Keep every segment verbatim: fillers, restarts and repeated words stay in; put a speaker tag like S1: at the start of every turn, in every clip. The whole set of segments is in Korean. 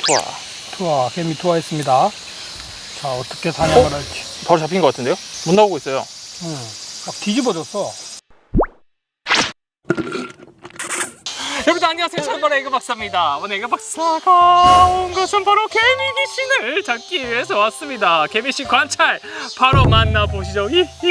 S1: 투하.
S2: 투하, 개미 투하했습니다. 자, 어떻게 사냥을
S1: 어?
S2: 할지.
S1: 바로 잡힌 것 같은데요? 못 나오고 있어요.
S2: 응, 막 뒤집어졌어.
S1: 여러분 안녕하세요. 저는 바로 에그 박사입니다. 오늘 에그 박사가 온 것은 바로 개미 귀신을 잡기 위해서 왔습니다. 개미씨 관찰 바로 만나보시죠.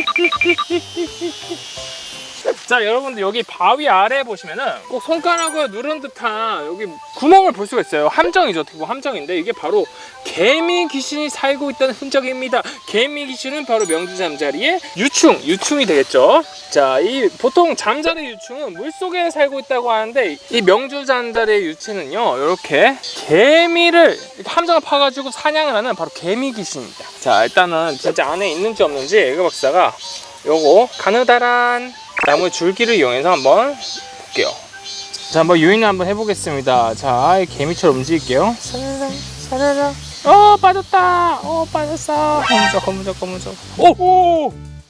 S1: 자, 여러분들 여기 바위 아래 보시면은 꼭 손가락으로 누른 듯한 여기 구멍을 볼 수가 있어요. 함정이죠. 어떻게 보면 함정인데 이게 바로 개미 귀신이 살고 있다는 흔적입니다. 개미 귀신은 바로 명주 잠자리의 유충, 유충이 되겠죠. 자, 이 보통 잠자리 유충은 물속에 살고 있다고 하는데 이 명주 잠자리의 유충은요, 이렇게 개미를 이렇게 함정을 파가지고 사냥을 하는 바로 개미 귀신입니다. 자, 일단은 진짜 안에 있는지 없는지 에그 박사가 요거 가느다란 나무 줄기를 이용해서 한번 볼게요. 자, 한번 유인을 한번 해보겠습니다. 자, 개미처럼 움직일게요. 사라라 사라라. 어, 빠졌다. 어, 빠졌어. 거무적 거무적 거무적. 오! 오!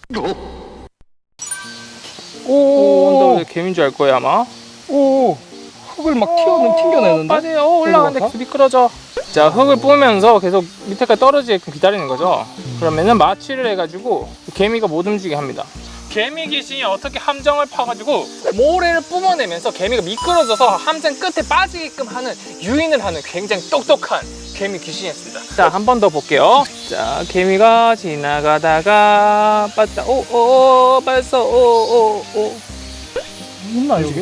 S1: 오! 언더 개미인 줄 알 거예요 아마.
S2: 오, 흙을 막 튀어는 튕겨내는데?
S1: 빠져요. 어, 올라가는데 계속 미끄러져. 자, 흙을 뿌면서 계속 밑에까지 떨어지게끔 기다리는 거죠. 그러면은 마취를 해가지고 개미가 못 움직이게 합니다. 개미 귀신이 어떻게 함정을 파가지고 모래를 뿜어내면서 개미가 미끄러져서 함정 끝에 빠지게끔 하는 유인을 하는 굉장히 똑똑한 개미 귀신이었습니다. 자, 한 번 더 볼게요. 자, 개미가 지나가다가 빠졌다. 오오오 빠졌어. 오오오.
S2: 있나 여기?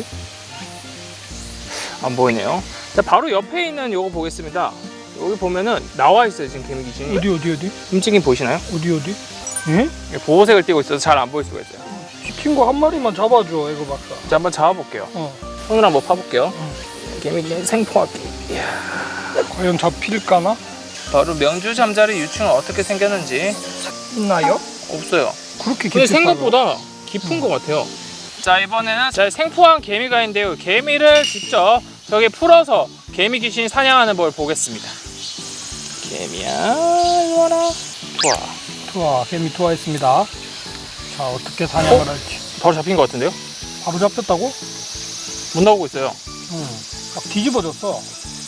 S1: 안 보이네요. 자, 바로 옆에 있는 요거 보겠습니다. 여기 보면은 나와 있어요. 지금 개미 귀신이.
S2: 어디 어디 어디?
S1: 움직임 보이시나요?
S2: 어디 어디? 응?
S1: 보호색을 띠고 있어서 잘 안 보일 수가 있어요.
S2: 시킨 거 한 마리만 잡아줘, 에그 박사.
S1: 자, 한번 잡아볼게요.
S2: 어.
S1: 손으로 한번 파볼게요.
S2: 응.
S1: 개미 귀신 생포할게. 이야.
S2: 과연 잡힐까나?
S1: 바로 명주 잠자리 유충은 어떻게 생겼는지
S2: 있나요?
S1: 없어요.
S2: 그렇게
S1: 근데
S2: 깊이
S1: 생각보다 깊은 것 같아요. 자, 이번에는 자, 생포한 개미가 있는데요. 개미를 직접 저기 풀어서 개미 귀신이 사냥하는 걸 보겠습니다. 개미야, 이리 와라. 좋아.
S2: 투하, 개미 투하했습니다. 자, 어떻게 사냥을
S1: 어?
S2: 할지.
S1: 바로 잡힌 것 같은데요?
S2: 바로 잡혔다고?
S1: 못 나오고 있어요.
S2: 응, 막 뒤집어졌어.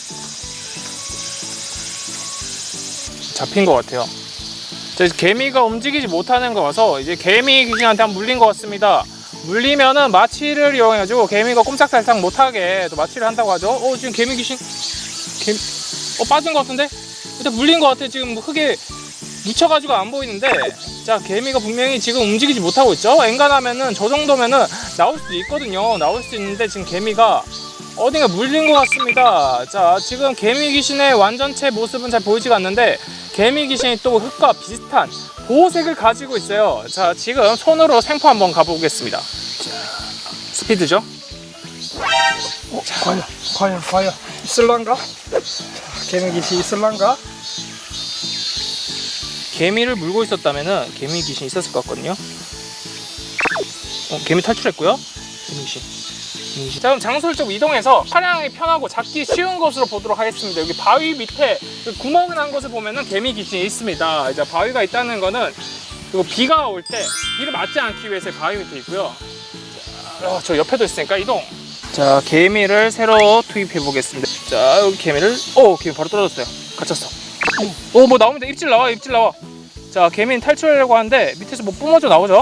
S1: 잡힌 것 같아요. 자, 이제 개미가 움직이지 못하는 거 봐서 이제 개미 귀신한테 한 물린 것 같습니다. 물리면은 마취를 이용해가지고 개미가 꼼짝달싹 못하게 또 마취를 한다고 하죠. 어, 지금 개미 귀신 개미 어 빠진 것 같은데? 일단 물린 것 같아. 지금 흙에 묻혀가지고 안 보이는데, 자, 개미가 분명히 지금 움직이지 못하고 있죠. 엔간하면은 저 정도면은 나올 수도 있거든요. 나올 수 있는데 지금 개미가 어딘가 물린 것 같습니다. 자, 지금 개미 귀신의 완전체 모습은 잘 보이지가 않는데 개미 귀신이 또 흙과 비슷한 보호색을 가지고 있어요. 자, 지금 손으로 생포 한번 가보겠습니다. 자, 스피드죠?
S2: 어, 과연, 과연, 과연 있을란가? 자, 개미 귀신 있을란가?
S1: 개미를 물고 있었다면은 개미 귀신이 있었을 것 같거든요. 어, 개미 탈출했고요. 개미 귀신. 개미 귀신. 자, 그럼 장소를 좀 이동해서 사냥이 편하고 잡기 쉬운 곳으로 보도록 하겠습니다. 여기 바위 밑에 구멍 난 곳을 보면은 개미 귀신이 있습니다. 이제 바위가 있다는 거는 그리고 비가 올 때 비를 맞지 않기 위해서 바위 밑에 있고요. 자, 어, 저 옆에도 있으니까 이동. 자, 개미를 새로 투입해 보겠습니다. 자, 여기 개미를 오, 개미 바로 떨어졌어요. 갇혔어. 오, 뭐 나옵니다. 입질 나와, 입질 나와. 자, 개미는 탈출하려고 하는데 밑에서 뭐 뿜어져 나오죠.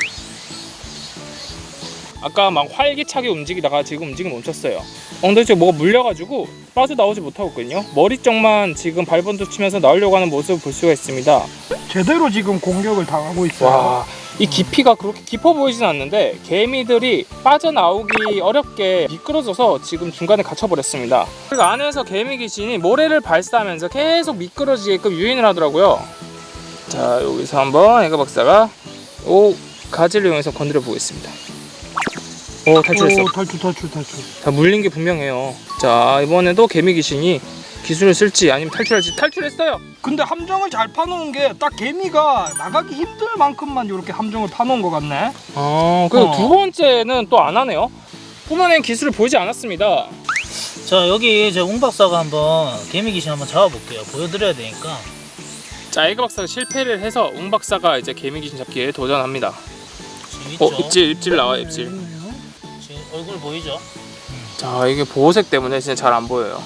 S1: 아까 막 활기차게 움직이다가 지금 움직임 멈췄어요. 엉덩이 쪽에 뭐가 물려가지고 빠져나오지 못하고 있거든요. 머리 쪽만 지금 발번도 치면서 나오려고 하는 모습을 볼 수가 있습니다.
S2: 제대로 지금 공격을 당하고 있어요.
S1: 와, 이 깊이가 그렇게 깊어 보이진 않는데 개미들이 빠져나오기 어렵게 미끄러져서 지금 중간에 갇혀버렸습니다. 그리고 안에서 개미 귀신이 모래를 발사하면서 계속 미끄러지게끔 유인을 하더라고요. 자, 여기서 한번 에그 박사가 오 가지를 이용해서 건드려 보겠습니다. 오, 탈출했어.
S2: 오, 탈출, 탈출, 탈출.
S1: 자, 물린 게 분명해요. 자, 이번에도 개미 귀신이 기술을 쓸지 아니면 탈출할지. 탈출했어요.
S2: 근데 함정을 잘 파놓은 게 딱 개미가 나가기 힘들 만큼만 이렇게 함정을 파놓은 것 같네.
S1: 아, 그리고
S2: 어.
S1: 두 번째는 또 안 하네요. 뿜어낸 기술을 보이지 않았습니다.
S3: 자, 여기 제 웅 박사가 한번 개미 귀신 한번 잡아볼게요. 보여드려야 되니까.
S1: 자, 에그 박사가 실패를 해서 웅 박사가 이제 개미 귀신 잡기에 도전합니다.
S3: 지금 있죠?
S1: 어, 입질, 입질 나와요, 입질.
S3: 지금 얼굴 보이죠?
S1: 자, 이게 보호색 때문에 진짜 잘 안 보여요.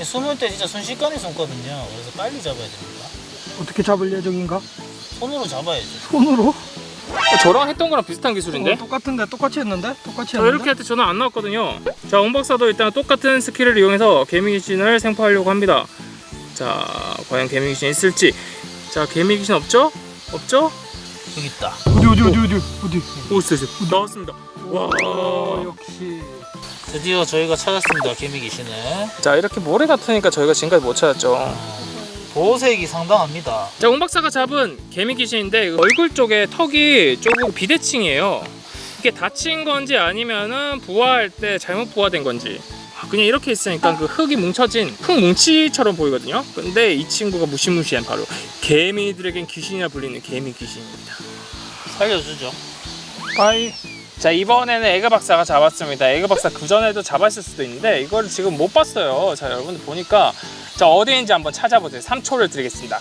S3: 숨을 때 진짜 순식간에 숨거든요. 그래서 빨리 잡아야 됩니다.
S2: 어떻게 잡을 예정인가?
S3: 손으로 잡아야죠.
S2: 손으로?
S1: 저랑 했던 거랑 비슷한 기술인데?
S2: 어, 똑같은데 똑같이 했는데? 똑같이
S1: 자,
S2: 했는데?
S1: 이렇게 할 때 저는 안 나왔거든요. 자, 옹 박사도 일단 똑같은 스킬을 이용해서 개미 귀신을 생포하려고 합니다. 자, 과연 개미 귀신 있을지. 자, 개미 귀신 없죠? 없죠?
S3: 여기 있다.
S2: 어디 어디 어디 어디 어디?
S1: 오, 있어, 있어. 나왔습니다. 와.
S2: 어, 역시.
S3: 드디어 저희가 찾았습니다. 개미 귀신을.
S1: 자, 이렇게 모래 같으니까 저희가 지금까지 못 찾았죠.
S3: 어, 보호색이 상당합니다.
S1: 자, 옹 박사가 잡은 개미 귀신인데 얼굴 쪽에 턱이 조금 비대칭이에요. 이게 다친 건지 아니면은 부화할 때 잘못 부화된 건지. 그냥 이렇게 있으니까 그 흙이 뭉쳐진 흙 뭉치처럼 보이거든요. 근데 이 친구가 무시무시한 바로 개미들에겐 귀신이라 불리는 개미 귀신입니다.
S3: 살려주죠.
S2: 빠이.
S1: 자, 이번에는 에그 박사가 잡았습니다. 에그 박사 그 전에도 잡았을 수도 있는데 이걸 지금 못 봤어요. 자, 여러분들 보니까 자, 어디인지 한번 찾아보세요. 삼 초를 드리겠습니다.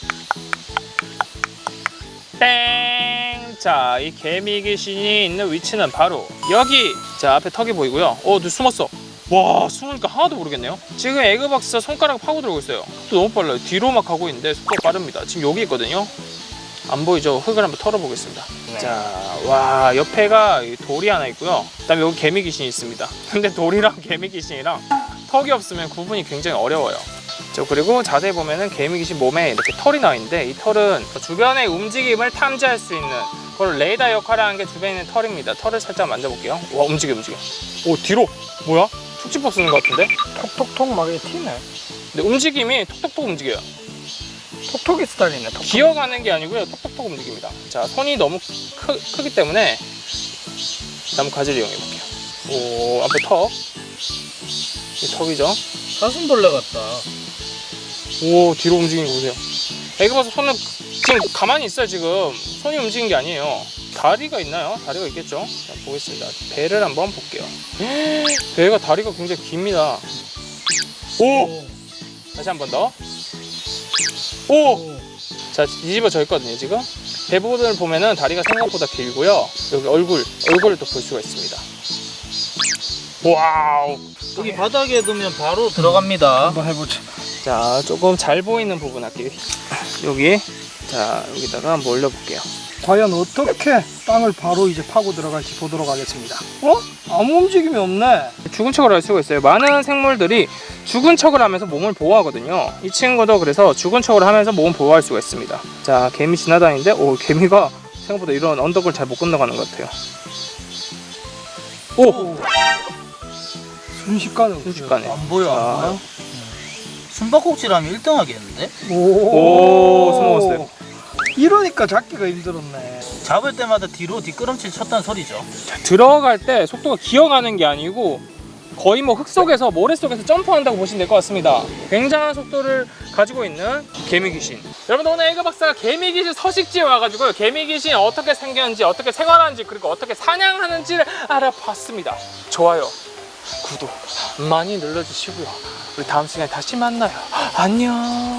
S1: 땡! 자, 이 개미 귀신이 있는 위치는 바로 여기. 자, 앞에 턱이 보이고요. 어, 누 숨었어. 와, 숨으니까 하나도 모르겠네요. 지금 에그 박사 손가락 파고 들어오고 있어요. 또 너무 빨라요. 뒤로 막 가고 있는데 속도가 빠릅니다. 지금 여기 있거든요. 안 보이죠? 흙을 한번 털어보겠습니다.
S3: 네.
S1: 자, 와, 옆에가 돌이 하나 있고요. 그다음에 여기 개미 귀신이 있습니다. 근데 돌이랑 개미 귀신이랑 턱이 없으면 구분이 굉장히 어려워요. 자, 그리고 자세히 보면은 개미 귀신 몸에 이렇게 털이 나 있는데 이 털은 주변의 움직임을 탐지할 수 있는 그걸 레이더 역할을 하는 게 주변에 있는 털입니다. 털을 살짝 만져볼게요. 와, 움직여 움직여. 오, 뒤로. 뭐야? 툭집법 쓰는 것 같은데?
S2: 톡톡톡 막 이렇게 튀네.
S1: 근데 움직임이 톡톡톡 움직여요.
S2: 톡톡이 스타일이네. 톡톡.
S1: 기어가는 게 아니고요. 톡톡톡 움직입니다. 자, 손이 너무 크, 크기 때문에 나무 가지를 이용해 볼게요. 오, 앞에 턱. 이 턱이죠.
S3: 사슴벌레 같다.
S1: 오, 뒤로 움직이는 거 보세요. 애기 봐서 손을 지금 가만히 있어요. 지금 손이 움직이는 게 아니에요. 다리가 있나요? 다리가 있겠죠. 자, 보겠습니다. 배를 한번 볼게요. 배가 다리가 굉장히 깁니다. 오! 다시 한 번 더. 오! 자, 뒤집어져 있거든요, 지금. 배 부분을 보면은 다리가 생각보다 길고요. 여기 얼굴, 얼굴을 또 볼 수가 있습니다. 와우!
S3: 여기 바닥에 두면 바로 들어갑니다.
S2: 한번 해보자.
S1: 자, 조금 잘 보이는 부분 할게요. 여기. 자, 여기다가 한번 올려볼게요.
S2: 과연 어떻게 땅을 바로 이제 파고 들어갈지 보도록 하겠습니다. 어? 아무 움직임이 없네.
S1: 죽은 척을 할 수가 있어요. 많은 생물들이 죽은 척을 하면서 몸을 보호하거든요. 이 친구도 그래서 죽은 척을 하면서 몸을 보호할 수가 있습니다. 자, 개미 지나다니는데 오, 개미가 생각보다 이런 언덕을 잘 못 건너가는 것 같아요. 오!
S2: 순식간에.
S1: 순식간에.
S3: 안 보여, 안
S1: 자.
S3: 보여. 숨바꼭질하면 일 등 하겠는데?
S1: 오, 숨어갔어요.
S2: 이러니까 잡기가 힘들었네.
S3: 잡을 때마다 뒤로 뒷걸음질 쳤다는 소리죠.
S1: 자, 들어갈 때 속도가 기어가는 게 아니고 거의 뭐 흙 속에서 모래 속에서 점프한다고 보시면 될 것 같습니다. 굉장한 속도를 가지고 있는 개미 귀신. 여러분, 오늘 에그 박사가 개미 귀신 서식지에 와가지고 개미 귀신이 어떻게 생겼는지, 어떻게 생활하는지, 그리고 어떻게 사냥하는지를 알아봤습니다. 좋아요, 구독 많이 눌러주시고요. 우리 다음 시간에 다시 만나요. 안녕.